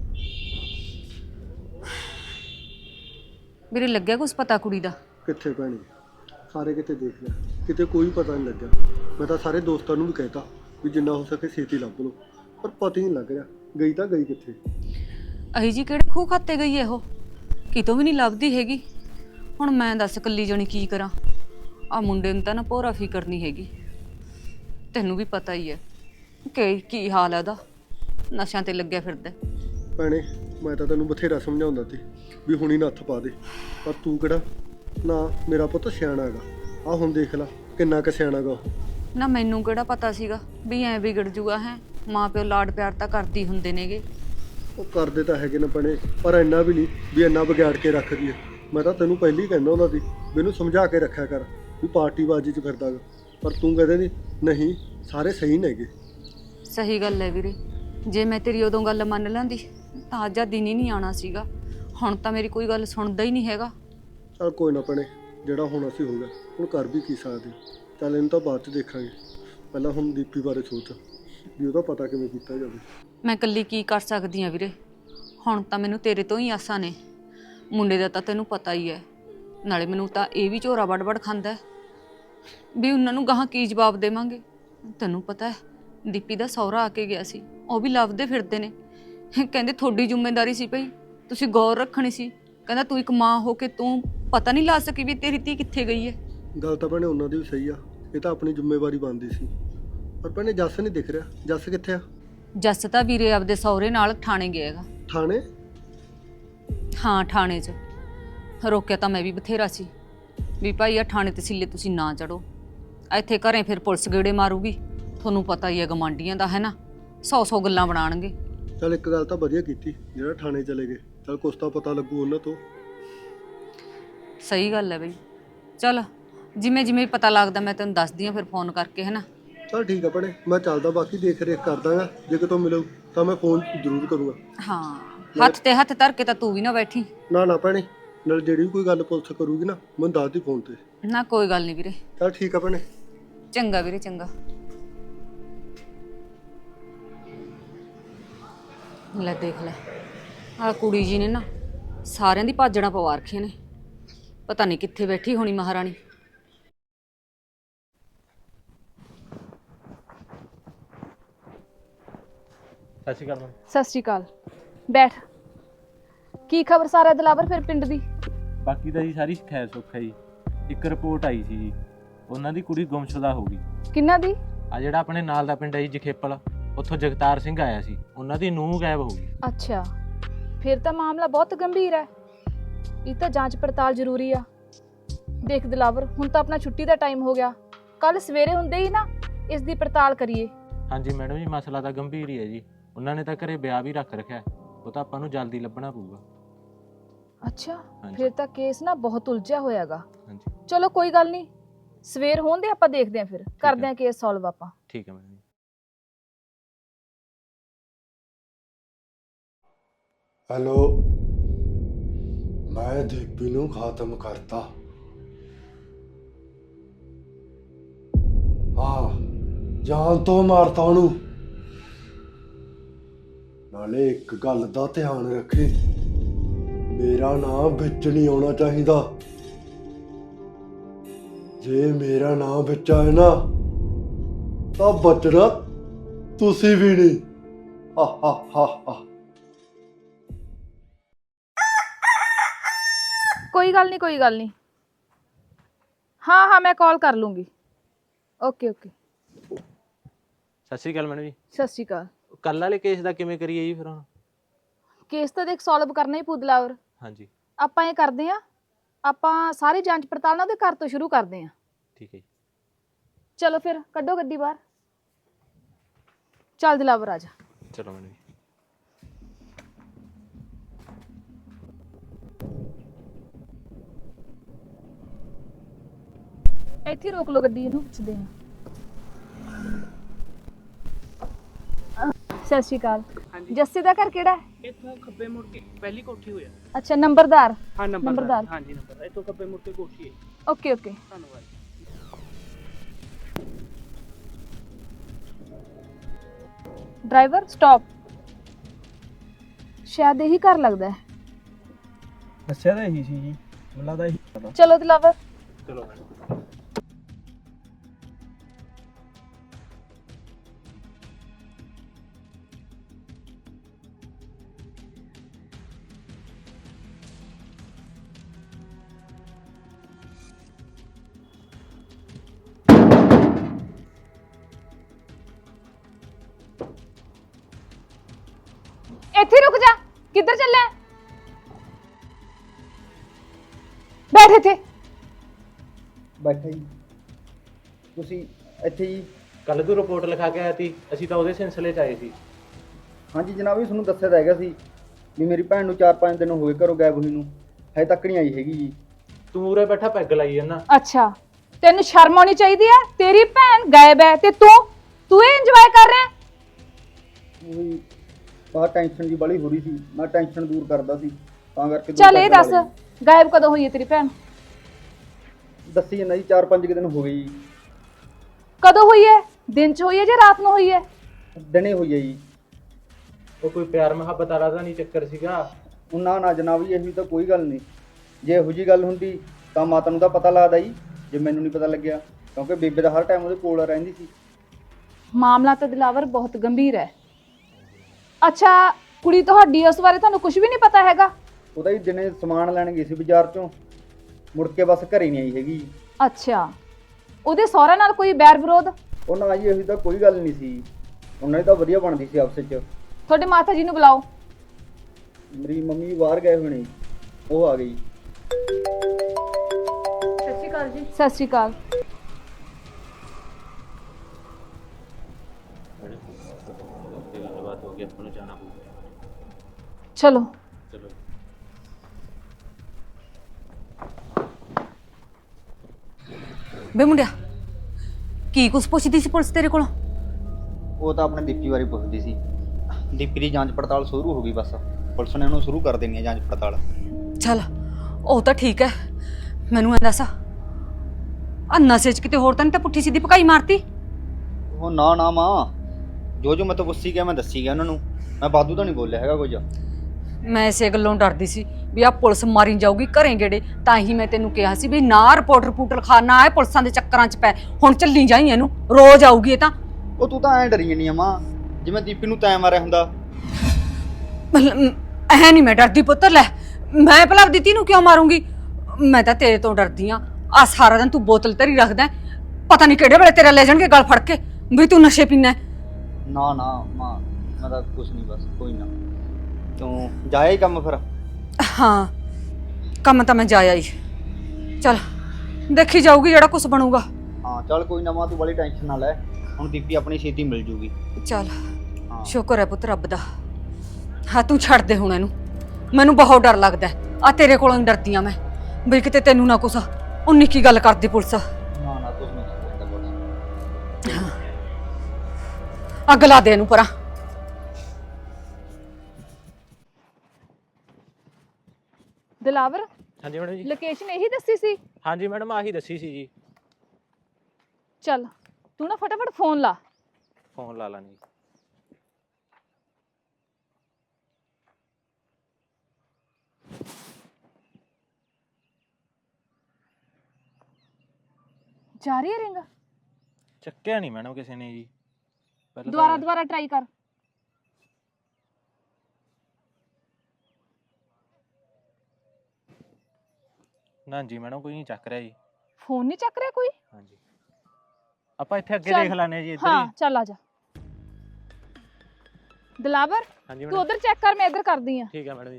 [SPEAKER 1] ਵੀਰੇ ਲੱਗਿਆ ਕੁਛ ਪਤਾ ਕੁੜੀ ਦਾ?
[SPEAKER 2] ਕਿੱਥੇ ਭੈਣੀ, ਸਾਰੇ ਕਿਤੇ ਦੇਖ ਲਿਆ, ਕਿਤੇ ਕੋਈ ਪਤਾ ਨਹੀਂ ਲੱਗਿਆ। ਮੈਂ ਤਾਂ ਸਾਰੇ ਦੋਸਤਾਂ ਨੂੰ ਵੀ ਕਹਿਤਾ ਵੀ ਜਿੰਨਾ ਹੋ ਸਕੇ ਛੇਤੀ ਲੱਭ ਲਓ, ਪਰ ਪਤਾ ਹੀ ਨਹੀਂ ਲੱਗ ਰਿਹਾ ਗਈ ਤਾਂ ਗਈ ਕਿੱਥੇ।
[SPEAKER 1] ਅਹੀ ਜੀ ਕਿਹੜੇ ਖੂਹ ਖਾਤੇ ਗਈ ਇਹੋ, ਕਿਤੋਂ ਵੀ ਨਹੀਂ ਲੱਭਦੀ ਹੈਗੀ। ਹੁਣ ਮੈਂ ਦੱਸ ਕੱਲੀ ਜਣੀ ਕੀ ਕਰਾਂ? ਆ ਮੁੰਡੇ ਨੂੰ ਤਾਂ ਨਾ ਭੋਰਾ ਫਿਕਰ ਨਹੀਂ ਹੈਗੀ, ਤੈਨੂੰ ਵੀ ਪਤਾ ਹੀ ਹੈ ਕਿ ਕੀ ਹਾਲ ਹੈ ਉਹਦਾ, ਨਸ਼ਿਆਂ ਤੇ ਲੱਗਿਆ ਫਿਰਦਾ।
[SPEAKER 2] ਭੈਣੇ ਮੈਂ ਤਾਂ ਤੈਨੂੰ ਬਥੇਰਾ ਸਮਝਾਉਂਦਾ ਸੀ ਵੀ ਹੁਣੀ ਨਾ ਹੱਥ ਪਾ ਦੇ, ਪਰ ਤੂੰ ਕਿਹੜਾ ਨਾ, ਮੇਰਾ ਪੁੱਤ ਸਿਆਣਾ ਹੈਗਾ। ਆ ਹੁਣ ਦੇਖ ਲੈ ਕਿੰਨਾ ਕੁ ਸਿਆਣਾ ਗਾ ਉਹ।
[SPEAKER 1] ਨਾ ਮੈਨੂੰ ਕਿਹੜਾ ਪਤਾ ਸੀਗਾ ਵੀ ਐ ਵਿਗੜ ਜੂਗਾ। ਹੈ ਮਾਂ ਪਿਓ ਲਾਡ ਪਿਆਰ ਤਾਂ ਕਰਦੀ ਹੁੰਦੇ ਨੇਗੇ।
[SPEAKER 2] ਉਹ ਕਰਦੇ ਤਾਂ ਹੈਗੇ ਨਾ ਭੈਣੇ, ਪਰ ਇੰਨਾ ਵੀ ਨਹੀਂ ਵੀ ਇੰਨਾ ਵਿਗਾੜ ਕੇ ਰੱਖਦੀ ਹੈ। ਮੈਂ ਤਾਂ ਤੈਨੂੰ ਪਹਿਲਾਂ ਹੀ ਕਹਿੰਦਾ ਹੁੰਦਾ ਸੀ ਵੀ ਇਹਨੂੰ ਸਮਝਾ ਕੇ ਰੱਖਿਆ ਕਰ ਵੀ ਪਾਰਟੀਬਾਜ਼ੀ 'ਚ ਫਿਰਦਾ ਗਾ, ਪਰ ਤੂੰ ਕਹਿੰਦੇ ਨਹੀਂ ਸਾਰੇ ਸਹੀ ਨੇਗੇ।
[SPEAKER 1] ਸਹੀ ਗੱਲ ਹੈ ਵੀਰੇ, ਜੇ ਮੈਂ ਤੇਰੀ ਉਦੋਂ ਗੱਲ ਮੰਨ ਲੈਂਦੀ ਤਾਂ ਅੱਜ ਆ ਦਿਨ ਹੀ ਨਹੀਂ ਆਉਣਾ ਸੀਗਾ। ਹੁਣ ਤਾਂ ਮੇਰੀ ਕੋਈ ਗੱਲ ਸੁਣਦਾ ਹੀ ਨਹੀਂ ਹੈਗਾ।
[SPEAKER 2] ਚੱਲ ਕੋਈ ਨਾ ਭੈਣੇ, ਜਿਹੜਾ ਹੁਣ ਅਸੀਂ ਹੋ ਗਿਆ ਹੁਣ ਕਰ ਵੀ ਕੀ ਸਕਦੇ। ਚੱਲ ਇਹਨੂੰ ਤਾਂ ਬਾਅਦ 'ਚ ਦੇਖਾਂਗੇ, ਪਹਿਲਾਂ ਹੁਣ ਦੀਪੀ ਬਾਰੇ ਸੋਚ ਵੀ ਉਹਦਾ ਪਤਾ ਕਿਵੇਂ ਕੀਤਾ ਜਾਵੇ।
[SPEAKER 1] ਮੈਂ ਇਕੱਲੀ ਕੀ ਕਰ ਸਕਦੀ ਹਾਂ ਵੀਰੇ, ਹੁਣ ਤਾਂ ਮੈਨੂੰ ਤੇਰੇ ਤੋਂ ਹੀ ਆਸਾਂ ਨੇ। ਮੁੰਡੇ ਦਾ ਤਾਂ ਤੈਨੂੰ ਪਤਾ ਹੀ ਹੈ, ਨਾਲੇ ਮੈਨੂੰ ਤਾਂ ਇਹ ਵੀ ਝੋਰਾ ਵੜ ਖਾਂਦਾ ਹੈ ਵੀ ਉਹਨਾਂ ਨੂੰ ਗਾਹਾਂ ਕੀ ਜਵਾਬ ਦੇਵਾਂਗੇ। ਤੈਨੂੰ ਪਤਾ ਹੈ ਦੀਪੀ ਦਾ ਸਹੁਰਾ ਆ ਕੇ ਗਿਆ ਸੀ, ਉਹ ਵੀ ਲੱਭਦੇ ਫਿਰਦੇ ਨੇ। ਕਹਿੰਦੇ ਤੁਹਾਡੀ ਜ਼ਿੰਮੇਵਾਰੀ ਸੀ ਭਈ, ਤੁਸੀਂ ਗੌਰ ਰੱਖਣੀ ਸੀ। ਕਹਿੰਦਾ ਤੂੰ ਇੱਕ ਮਾਂ ਹੋ ਕੇ ਤੂੰ ਪਤਾ ਨਹੀਂ ਲਾ ਸਕੀ ਵੀ ਤੇਰੀ ਧੀ ਕਿੱਥੇ ਗਈ ਹੈ।
[SPEAKER 2] ਗੱਲ ਤਾਂ ਭੈਣੇ ਉਹਨਾਂ ਦੀ ਵੀ ਸਹੀ ਆ, ਇਹ ਤਾਂ ਆਪਣੀ ਜ਼ਿੰਮੇਵਾਰੀ ਬਣਦੀ ਸੀ। ਪਰ ਭੈਣੇ ਜੱਸ ਨਹੀਂ ਦਿਖ ਰਿਹਾ, ਜੱਸ ਕਿੱਥੇ ਆ?
[SPEAKER 1] ਜੱਸ ਤਾਂ ਵੀਰੇ ਆਪਦੇ ਸਹੁਰੇ ਨਾਲ ਥਾਣੇ ਗਿਆਗਾ।
[SPEAKER 2] ਥਾਣੇ?
[SPEAKER 1] ਹਾਂ ਥਾਣੇ 'ਚ ਰੋਕਿਆ ਤਾਂ ਮੈਂ ਵੀ ਬਥੇਰਾ ਸੀ ਵੀ ਭਾਈ ਆ ਥਾਣੇ ਤਸੀਲੇ ਤੁਸੀਂ ਨਾ ਚੜੋ, ਇੱਥੇ ਘਰੇ ਫਿਰ ਪੁਲਿਸ ਗੇੜੇ ਮਾਰੂਗੀ। ਤੁਹਾਨੂੰ ਪਤਾ ਹੀ ਹੈ ਗਮਾਂਡੀਆਂ ਦਾ, ਹੈ ਨਾ, 100 ਗੱਲਾਂ ਬਣਾਉਣਗੇ।
[SPEAKER 2] ਚੱਲ ਇੱਕ ਗੱਲ ਤਾਂ ਵਧੀਆ ਕੀਤੀ ਜਿਹੜਾ ਥਾਣੇ ਚਲੇ ਗਏ, ਚੱਲ ਕੁਛ ਤਾਂ ਪਤਾ ਲੱਗੂ ਉਹਨਾਂ ਤੋਂ।
[SPEAKER 1] ਸਹੀ ਗੱਲ ਹੈ ਬਈ, ਚਲ ਜਿਵੇਂ ਜਿਵੇਂ ਪਤਾ ਲੱਗਦਾ ਮੈਂ ਤੈਨੂੰ ਦੱਸਦੀ ਹਾਂ ਫਿਰ ਫੋਨ ਕਰਕੇ, ਹੈ ਨਾ।
[SPEAKER 2] ਚੱਲ ਠੀਕ ਆ ਭੈਣੇ, ਮੈਂ ਚੱਲਦਾ, ਬਾਕੀ ਦੇਖ ਰੇਖ ਕਰ ਦਾਂਗਾ। ਜੇ ਕਿਤੋਂ ਮਿਲੂ ਤਾਂ ਮੈਂ ਫੋਨ ਜ਼ਰੂਰ ਕਰੂੰਗਾ।
[SPEAKER 1] ਹਾਂ ਹੱਥ ਤੇ ਹੱਥ ਧਰ ਕੇ ਤਾਂ ਤੂੰ ਵੀ ਨਾ ਬੈਠੀ।
[SPEAKER 2] ਨਾ ਨਾ ਭੈਣੇ, ਨਾਲ ਜਿਹੜੀ ਵੀ ਕੋਈ ਗੱਲ ਪੁਲਿਸ ਕਰੂਗੀ ਨਾ ਮੈਨੂੰ ਦੱਸ ਦੀ ਫੋਨ ਤੇ।
[SPEAKER 1] ਨਾ ਕੋਈ ਗੱਲ ਨਹੀਂ ਵੀਰੇ।
[SPEAKER 2] ਚੱਲ ਠੀਕ ਆ ਭੈਣੇ।
[SPEAKER 1] ਚੰਗਾ ਵੀਰੇ ਚੰਗਾ। ਲੈ ਦੇਖ ਲੈ, ਆਹ ਕੁੜੀ ਜੀ ਨੇ ਨਾ ਸਾਰਿਆਂ ਦੀ ਭਾਜੜਾਂ ਪਵਾ ਰੱਖੀਆਂ ਨੇ। ਪਤਾ ਨਹੀਂ ਕਿੱਥੇ ਬੈਠੀ ਹੋਣੀ ਮਹਾਰਾਣੀ।
[SPEAKER 6] ਸਤਿ ਸ਼੍ਰੀ ਅਕਾਲ ਮੈਮ।
[SPEAKER 7] ਸਤਿ ਸ਼੍ਰੀ ਅਕਾਲ। ਬੈਠ। ਕੀ ਖਬਰ ਸਾਰਾ ਦਿਲਾਵਰ ਫਿਰ ਪਿੰਡ ਦੀ?
[SPEAKER 6] ਬਾਕੀ ਤਾਂ ਜੀ ਸਾਰੀ ਖੈਰ ਸੁੱਖ ਹੈ ਜੀ। ਇੱਕ ਰਿਪੋਰਟ ਆਈ ਸੀ ਜੀ, ਉਹਨਾਂ ਦੀ ਕੁੜੀ ਗੁੰਮਸ਼ੁਦਾ ਹੋ ਗਈ।
[SPEAKER 7] ਕਿੰਨਾ ਦੀ?
[SPEAKER 6] ਆ ਜਿਹੜਾ ਆਪਣੇ ਨਾਲ ਦਾ ਪਿੰਡ ਹੈ ਜੀ ਜਖੇਪਲ, ਉੱਥੋਂ ਜਗਤਾਰ ਸਿੰਘ ਆਇਆ ਸੀ, ਉਹਨਾਂ ਦੀ ਨੂੰਹ ਗਾਇਬ ਹੋ ਗਈ।
[SPEAKER 7] ਅੱਛਾ, ਫਿਰ ਤਾਂ ਮਾਮਲਾ ਬਹੁਤ ਗੰਭੀਰ ਹੈ। ਇਹ ਤਾਂ ਜਾਂਚ ਪੜਤਾਲ ਜ਼ਰੂਰੀ ਆ। ਦੇਖ ਦਿਲਾਵਰ, ਹੁਣ ਤਾਂ ਆਪਣਾ ਛੁੱਟੀ ਦਾ ਟਾਈਮ ਹੋ ਗਿਆ। ਕੱਲ ਸਵੇਰੇ ਹੁੰਦੇ ਹੀ ਨਾ ਇਸ ਦੀ ਪੜਤਾਲ ਕਰੀਏ।
[SPEAKER 6] ਹਾਂਜੀ ਮੈਡਮ ਜੀ, ਮਸਲਾ ਤਾਂ ਗੰਭੀਰ ਹੀ ਹੈ ਜੀ। ਉਹਨਾਂ ਨੇ ਤਾਂ ਘਰੇ ਵਿਆਹ ਵੀ ਰੱਖ ਰੱਖਿਆ, ਉਹ ਤਾਂ ਆਪਾਂ ਨੂੰ ਜਲਦੀ ਲੱਭਣਾ ਪਊਗਾ।
[SPEAKER 7] ਅੱਛਾ,
[SPEAKER 6] ਹਾਂਜੀ।
[SPEAKER 7] ਫਿਰ ਤਾਂ ਕੇਸ ਨਾ ਬਹੁਤ ਉਲਝਿਆ ਹੋਇਆਗਾ।
[SPEAKER 6] ਹਾਂਜੀ
[SPEAKER 7] ਚਲੋ ਕੋਈ ਗੱਲ ਨਹੀਂ, ਸਵੇਰ ਹੋਣ ਦੇ ਆਪਾਂ ਦੇਖਦੇ ਆਂ, ਫਿਰ ਕਰਦੇ ਆਂ ਕੇਸ ਸੋਲਵ ਆਪਾਂ।
[SPEAKER 6] ਠੀਕ ਹੈ ਮੈਡਮ ਜੀ।
[SPEAKER 2] ਹੈਲੋ, ਮੈਂ ਦੀਪੀ ਨੂੰ ਖਾਤਮ ਕਰਤਾ। ਹਾਂ, ਜਾਨ ਤੋਂ ਮਾਰਤਾ ਉਹਨੂੰ। ਨਾਲੇ ਇੱਕ ਗੱਲ ਦਾ ਧਿਆਨ ਰੱਖੀ, ਮੇਰਾ ਨਾਮ ਵਿੱਚ ਨਹੀਂ ਆਉਣਾ ਚਾਹੀਦਾ। ਜੇ ਮੇਰਾ ਨਾਮ ਵਿੱਚ ਆਏ ਨਾ ਤਾਂ ਬਚਣਾ ਤੁਸੀਂ ਵੀ ਨਹੀਂ। ਹਾ ਹਾ ਹਾ ਹਾ।
[SPEAKER 7] ਕੋਈ ਗੱਲ ਨਹੀਂ, ਕੋਈ ਗੱਲ ਨਹੀਂ। ਹਾਂ, ਮੈਂ ਕਾਲ ਕਰ ਲੂੰਗੀ। ਓਕੇ।
[SPEAKER 6] ਸਤਿ ਸ਼੍ਰੀ ਅਕਾਲ ਮੈਡਮ ਜੀ।
[SPEAKER 7] ਸਤਿ ਸ਼੍ਰੀ ਅਕਾਲ।
[SPEAKER 6] ਕੱਲ ਵਾਲੇ ਕੇਸ ਦਾ ਕਿਵੇਂ ਕਰੀਏ ਜੀ ਫਿਰ ਹੁਣ?
[SPEAKER 7] ਕੇਸ ਤਾਂ ਦੇਖ ਸੋਲਵ ਕਰਨਾ ਹੀ ਪਊ ਦਿਲਾਵਰ।
[SPEAKER 6] ਹਾਂਜੀ
[SPEAKER 7] ਆਪਾਂ ਇਹ ਕਰਦੇ ਆਂ, ਆਪਾਂ ਸਾਰੀ ਜਾਂਚ ਪੜਤਾਲ ਨਾ ਉਹਦੇ ਘਰ ਤੋਂ ਸ਼ੁਰੂ ਕਰਦੇ ਆਂ।
[SPEAKER 6] ਠੀਕ ਹੈ ਜੀ।
[SPEAKER 7] ਚਲੋ ਫਿਰ ਕੱਢੋ ਗੱਡੀ ਬਾਹਰ। ਚੱਲ ਦਿਲਾਵਰ ਆ ਜਾ।
[SPEAKER 6] ਚਲੋ ਮੈਡਮ ਜੀ।
[SPEAKER 7] ਇੱਥੇ ਰੋਕ ਲਓ ਗੱਡੀ, ਇਹਨੂੰ ਪੁੱਛਦੇ ਆਂ। ਸਤਿ ਸ਼੍ਰੀ ਅਕਾਲ। ਜੱਸੇ ਦਾ ਘਰ ਕਿਹੜਾ ਹੈ?
[SPEAKER 8] ਇੱਥੋਂ ਖੱਬੇ ਮੁੜ ਕੇ ਪਹਿਲੀ ਕੋਠੀ ਹੋਇਆ।
[SPEAKER 7] ਅੱਛਾ, ਨੰਬਰਦਾਰ।
[SPEAKER 8] ਹਾਂ
[SPEAKER 7] ਨੰਬਰਦਾਰ।
[SPEAKER 8] ਹਾਂਜੀ ਨੰਬਰਦਾਰ, ਇੱਥੋਂ ਖੱਬੇ ਮੁੜ ਕੇ ਕੋਠੀ ਹੈ।
[SPEAKER 7] ਓਕੇ।
[SPEAKER 8] ਧੰਨਵਾਦ।
[SPEAKER 7] Driver stop. ਸ਼ਾਇਦ ਇਹੀ ਘਰ ਲੱਗਦਾ ਹੈ।
[SPEAKER 8] ਦੱਸਿਆ ਤਾਂ ਇਹੀ ਸੀ ਜੀ, ਮੈਨੂੰ ਲੱਗਦਾ ਇਹੀ ਪਤਾ।
[SPEAKER 7] ਚਲੋ ਦਿਲਾਵਰ।
[SPEAKER 6] ਚਲੋ ਮੈਡਮ।
[SPEAKER 7] ਇੱਥੇ ਰੁਕ ਜਾ। ਕਿੱਧਰ ਚੱਲਿਆ? ਬੈਠ ਇੱਥੇ।
[SPEAKER 5] ਬੈਠਾ ਜੀ। ਤੁਸੀਂ ਇੱਥੇ ਜੀ?
[SPEAKER 6] ਕੱਲ ਤੂੰ ਰਿਪੋਰਟ ਲਿਖਾ ਕੇ ਆਇਆ ਸੀ, ਅਸੀਂ ਤਾਂ ਉਹਦੇ ਸਿਲਸਿਲੇ 'ਚ ਆਏ ਸੀ।
[SPEAKER 5] ਹਾਂਜੀ ਜਨਾਬ ਜੀ, ਤੁਹਾਨੂੰ ਦੱਸਿਆ ਤਾਂ ਹੈਗਾ ਸੀ ਵੀ ਮੇਰੀ ਭੈਣ ਨੂੰ 4-5 ਦਿਨ ਹੋ ਗਏ ਘਰੋਂ ਗਾਇਬ ਹੋਈ ਨੂੰ, ਹਜੇ ਤੱਕ ਨਹੀਂ ਆਈ ਹੈਗੀ ਜੀ।
[SPEAKER 6] ਤੂੰ ਉਰੇ ਬੈਠਾ ਪੈਗ ਲਾਈ ਜਾਂਦਾ।
[SPEAKER 7] ਅੱਛਾ, ਤੈਨੂੰ ਸ਼ਰਮ ਆਉਣੀ ਚਾਹੀਦੀ ਹੈ। ਤੇਰੀ ਭੈਣ ਗਾਇਬ ਹੈ ਤੇ ਤੂੰ ਇਹ ਇੰਜੋਏ ਕਰ ਰਿਹਾ।
[SPEAKER 5] ਉਹੀ ਬਾਹਰ ਟੈਨਸ਼ਨ ਜੀ ਬੜੀ ਹੋ ਰਹੀ ਸੀ, ਮੈਂ ਟੈਨਸ਼ਨ ਦੂਰ ਕਰਦਾ ਸੀ ਤਾਂ ਕਰਕੇ।
[SPEAKER 7] ਚੱਲ ਇਹ ਦੱਸ, ਗਾਇਬ ਕਦੋਂ ਹੋਈ ਹੈ ਤੇਰੀ ਭੈਣ?
[SPEAKER 5] ਦੱਸੀ ਜਾਂਦਾ ਜੀ, 4-5 ਦਿਨ ਹੋ ਗਏ ਜੀ।
[SPEAKER 7] ਕਦੋਂ ਹੋਈ ਹੈ? ਦਿਨ 'ਚ ਹੋਈ ਹੈ ਜਾਂ ਰਾਤ ਨੂੰ ਹੋਈ ਹੈ?
[SPEAKER 5] ਦਿਨੇ ਹੋਈ ਹੈ ਜੀ।
[SPEAKER 6] ਉਹ ਕੋਈ ਪਿਆਰ ਮੁਹੱਬਤ ਵਾਲਾ ਤਾਂ ਨਹੀਂ ਚੱਕਰ ਸੀਗਾ?
[SPEAKER 5] ਉਹ ਨਾ ਜਨਾਬ ਜੀ, ਇਹੋ ਤਾਂ ਕੋਈ ਗੱਲ ਨਹੀਂ। ਜੇ ਇਹੋ ਜੀ ਗੱਲ ਹੁੰਦੀ ਤਾਂ ਮਾਤਾ ਨੂੰ ਤਾਂ ਪਤਾ ਲੱਗਦਾ ਜੀ, ਜੇ ਮੈਨੂੰ ਨਹੀਂ ਪਤਾ ਲੱਗਿਆ, ਕਿਉਂਕਿ ਬੇਬੇ ਦਾ ਹਰ ਟਾਈਮ ਉਹਦੇ ਕੋਲ ਰਹਿੰਦੀ ਸੀ।
[SPEAKER 7] ਮਾਮਲਾ ਤਾਂ ਦਿਲਾਵਰ ਬਹੁਤ ਗੰਭੀਰ ਹੈ। ਅੱਛਾ, ਕੁੜੀ ਤੁਹਾਡੀ, ਉਸ ਬਾਰੇ ਤੁਹਾਨੂੰ ਕੁਝ ਵੀ ਨਹੀਂ ਪਤਾ ਹੈਗਾ?
[SPEAKER 5] ਉਹਦਾ ਹੀ ਦਿਨੇ ਸਮਾਨ ਲੈਣ ਗਈ ਸੀ ਬਾਜ਼ਾਰ ਚੋਂ, ਮੁੜ ਕੇ ਬਸ ਘਰੇ ਨਹੀਂ ਆਈ ਹੈਗੀ।
[SPEAKER 7] ਅੱਛਾ, ਉਹਦੇ ਸਹੁਰੇ ਨਾਲ ਕੋਈ ਬੈਰ ਵਿਰੋਧ?
[SPEAKER 5] ਉਹ ਨਾ ਜੀ, ਇਹੋ ਤਾਂ ਕੋਈ ਗੱਲ ਨਹੀਂ ਸੀ, ਉਹਨਾਂ ਦੀ ਤਾਂ ਵਧੀਆ ਬਣਦੀ ਸੀ ਆਪਸ ਵਿੱਚ।
[SPEAKER 7] ਤੁਹਾਡੇ ਮਾਤਾ ਜੀ ਨੂੰ ਬੁਲਾਓ।
[SPEAKER 5] ਮੇਰੀ ਮੰਮੀ ਬਾਹਰ ਗਏ ਹੋਏ ਨੇ, ਉਹ ਆ ਗਈ।
[SPEAKER 7] ਸਤਿ ਸ਼੍ਰੀ ਅਕਾਲ ਜੀ। ਸਤਿ ਸ਼੍ਰੀ ਅਕਾਲ।
[SPEAKER 6] ਗੱਲਬਾਤ ਹੋ ਗਈ, ਆਪਾਂ ਨੂੰ ਜਾਣਾ ਪਊਗਾ।
[SPEAKER 7] ਚਲੋ।
[SPEAKER 6] ਚਲੋ।
[SPEAKER 1] ਬੇ ਮੁੰਡਿਆ, ਕੀ ਕੁਛ ਪੁੱਛਦੀ ਸੀ ਪੁਲਿਸ ਤੇਰੇ ਕੋਲੋਂ?
[SPEAKER 5] ਉਹ ਤਾਂ ਆਪਣੇ ਦੀਪੀ ਬਾਰੇ ਪੁੱਛਦੀ ਸੀ। ਦੀਪੀ ਦੀ ਜਾਂਚ ਪੜਤਾਲ ਸ਼ੁਰੂ ਹੋ ਗਈ, ਬਸ ਪੁਲਿਸ ਨੇ ਉਹਨੂੰ ਸ਼ੁਰੂ ਕਰ ਦੇਣੀ ਹੈ ਜਾਂਚ ਪੜਤਾਲ।
[SPEAKER 1] ਚੱਲ ਉਹ ਤਾਂ ਠੀਕ ਹੈ, ਮੈਨੂੰ ਐਂ ਦੱਸ, ਆ ਨਸ਼ੇ 'ਚ ਕਿਤੇ ਹੋਰ ਤਾਂ ਨਹੀਂ ਤਾਂ ਪੁੱਠੀ ਸਿੱਧੀ ਭਕਾਈ ਮਾਰਤੀ?
[SPEAKER 5] ਉਹ ਨਾ ਮਾਂ, ਜੋ ਮੈਂ ਤਾਂ ਪੁੱਛੀ ਗਿਆ ਮੈਂ ਦੱਸੀ ਗਿਆ ਉਹਨਾਂ ਨੂੰ, ਮੈਂ ਬਾਦੂ ਤਾਂ ਨਹੀਂ ਬੋਲਿਆ ਹੈਗਾ ਕੁਝ।
[SPEAKER 1] ਮੈਂ ਇਸੇ ਗੱਲੋਂ ਡਰਦੀ ਸੀ ਵੀ ਆ ਪੁਲਿਸ ਮਾਰੀ ਜਾਊਗੀ ਘਰੇ ਗੇੜੇ, ਤਾਂ ਹੀ ਮੈਂ ਤੈਨੂੰ ਕਿਹਾ ਸੀ ਵੀ ਨਾ ਰਿਪੋਰਟ ਲਿਖਾ, ਨਾ ਇਹ ਪੁਲਿਸਾਂ ਦੇ ਚੱਕਰਾਂ 'ਚ ਪੈ। ਹੁਣ ਚੱਲੀ ਜਾਈ ਇਹਨੂੰ, ਰੋਜ਼ ਆਊਗੀ ਇਹ ਤਾਂ।
[SPEAKER 5] ਉਹ ਤੂੰ ਤਾਂ ਐਂ ਡਰੀ ਜੰਨੀ ਆ ਮਾਂ, ਜਿਵੇਂ ਦੀਪੀ ਨੂੰ ਤੈਂ ਮਾਰਿਆ ਹੁੰਦਾ।
[SPEAKER 1] ਐ ਨਹੀਂ ਮੈਂ ਡਰਦੀ ਪੁੱਤਰ, ਲੈ ਮੈਂ ਭਲਾ ਦਿੱਤੀ ਨੂੰ ਕਿਉਂ ਮਾਰੂੰਗੀ? ਮੈਂ ਤਾਂ ਤੇਰੇ ਤੋਂ ਡਰਦੀ ਆ ਸਾਰਾ ਦਿਨ ਤੂੰ ਬੋਤਲ ਧਰੀ ਰੱਖਦਾ, ਪਤਾ ਨਹੀਂ ਕਿਹੜੇ ਵੇਲੇ ਤੇਰਾ ਲੈ ਜਾਣਗੇ ਗਲ ਫੜ ਕੇ ਵੀ ਤੂੰ ਨਸ਼ੇ ਪੀਨਾ।
[SPEAKER 5] ਨਾ ਨਾ ਮਾਂ, ਮੈਂ ਤਾਂ ਕੁਛ ਨਹੀਂ, ਬਸ ਕੋਈ ਨਾ। ਤੂੰ ਜਾਇਆ ਹੀ ਕੰਮ ਫਿਰ?
[SPEAKER 1] ਹਾਂ ਕੰਮ ਤਾਂ ਮੈਂ ਜਾਇਆ ਹੀ, ਚਲ ਦੇਖੀ ਜਾਊਗੀ ਜਿਹੜਾ ਕੁਝ ਬਣੂਗਾ।
[SPEAKER 5] ਹਾਂ ਚੱਲ ਕੋਈ ਨਾ ਮਾਂ, ਤੂੰ ਬੜੀ ਟੈਨਸ਼ਨ ਨਾ ਲੈ, ਹੁਣ ਦੀਪੀ ਆਪਣੀ ਛੇਤੀ ਮਿਲ ਜੂਗੀ।
[SPEAKER 1] ਚੱਲ
[SPEAKER 5] ਹਾਂ
[SPEAKER 1] ਸ਼ੁਕਰ ਹੈ ਪੁੱਤ ਰੱਬ ਦਾ। ਹਾਂ ਤੂੰ ਛੱਡ ਦੇ ਹੁਣ ਇਹਨੂੰ, ਮੈਨੂੰ ਬਹੁਤ ਡਰ ਲੱਗਦਾ ਆ ਤੇਰੇ ਕੋਲੋਂ ਹੀ ਡਰਦੀ ਆ ਮੈਂ ਵੀ ਕਿਤੇ ਤੈਨੂੰ ਨਾ ਕੁਛ ਉਨੀ ਕੀ ਗੱਲ ਕਰਦੀ ਪੁਲਿਸ।
[SPEAKER 5] ਨਾ ਨਾ ਕੁਛ ਨਹੀਂ ਕਰਦਾ ਬਸ।
[SPEAKER 1] ਅੱਗ ਲਾ ਦੇ ਇਹਨੂੰ ਪਰਾਂ।
[SPEAKER 7] ਦਿਲਾਵਰ,
[SPEAKER 6] ਹਾਂਜੀ ਮੈਡਮ ਜੀ।
[SPEAKER 7] ਲੋਕੇਸ਼ਨ ਇਹੀ ਦੱਸੀ ਸੀ?
[SPEAKER 6] ਹਾਂਜੀ ਮੈਡਮ ਆਹੀ ਦੱਸੀ ਸੀ ਜੀ।
[SPEAKER 7] ਚੱਲ ਤੂੰ ਨਾ ਫਟਾਫਟ ਫੋਨ ਲਾ।
[SPEAKER 6] ਫੋਨ ਲਾ ਲਾਂਗੇ।
[SPEAKER 7] ਜਾ ਰਹੀ ਹੈ ਰਿੰਗ?
[SPEAKER 6] ਚੱਕਿਆ ਨਹੀਂ ਮੈਡਮ ਕਿਸੇ ਨੇ ਜੀ। ਪਹਿਲਾਂ
[SPEAKER 7] ਦੁਬਾਰਾ ਟਰਾਈ ਕਰ।
[SPEAKER 6] ਨਾ ਜੀ ਮੈਡਮ ਕੋਈ ਨਹੀਂ ਚੱਕ ਰਿਹਾ ਜੀ।
[SPEAKER 7] ਫੋਨ ਨਹੀਂ ਚੱਕ ਰਿਹਾ ਕੋਈ?
[SPEAKER 6] ਹਾਂਜੀ ਆਪਾਂ ਇੱਥੇ ਅੱਗੇ
[SPEAKER 7] ਚੱਲ।
[SPEAKER 6] ਦੇਖ ਲਾਂਗੇ ਜੀ ਇੱਧਰ
[SPEAKER 7] ਹਾਂ
[SPEAKER 6] ਹੀ।
[SPEAKER 7] ਚੱਲ ਆ ਜਾ। ਦਿਲਾਵਰ
[SPEAKER 6] ਹਾਂਜੀ
[SPEAKER 7] ਤੂੰ
[SPEAKER 6] ਮੈਡਮ
[SPEAKER 7] ਉਧਰ ਚੈੱਕ ਕਰ, ਮੈਂ ਇੱਧਰ ਕਰਦੀ ਆ।
[SPEAKER 6] ਠੀਕ ਹੈ ਮੈਡਮ ਜੀ।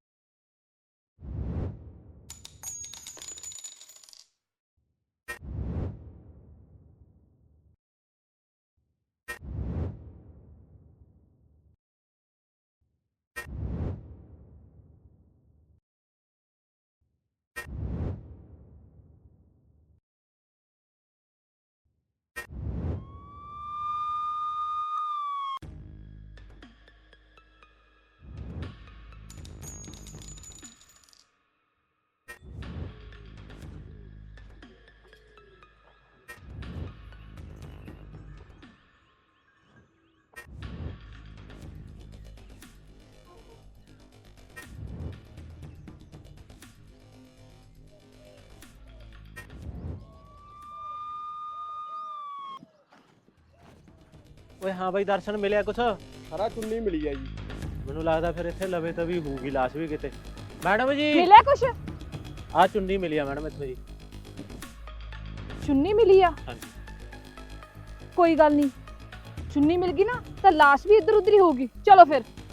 [SPEAKER 6] ਓਏ ਹਾਂ ਬਾਈ ਦਰਸ਼ਨ ਮਿਲਿਆ ਕੁਛ?
[SPEAKER 8] ਸਾਰਾ ਚੁੰਨੀ ਮਿਲੀ ਆ ਜੀ।
[SPEAKER 6] ਮੈਨੂੰ ਲੱਗਦਾ ਫਿਰ ਇੱਥੇ ਲਵੇ ਤਾਂ ਵੀ ਹੋਊਗੀ ਲਾਸ਼ ਵੀ ਕਿਤੇ। ਮੈਡਮ ਜੀ
[SPEAKER 7] ਮਿਲਿਆ ਕੁਛ?
[SPEAKER 6] ਆਹ ਚੁੰਨੀ ਮਿਲੀ ਆ ਮੈਡਮ ਇੱਥੇ ਜੀ।
[SPEAKER 7] ਚੁੰਨੀ ਮਿਲੀ ਆ?
[SPEAKER 6] ਹਾਂਜੀ
[SPEAKER 7] ਕੋਈ ਗੱਲ ਨਹੀਂ, ਚੁੰਨੀ ਮਿਲ ਗਈ ਨਾ ਤਾਂ ਲਾਸ਼ ਵੀ ਇੱਧਰ ਉੱਧਰ ਹੀ ਹੋਊਗੀ। ਚਲੋ ਫਿਰ।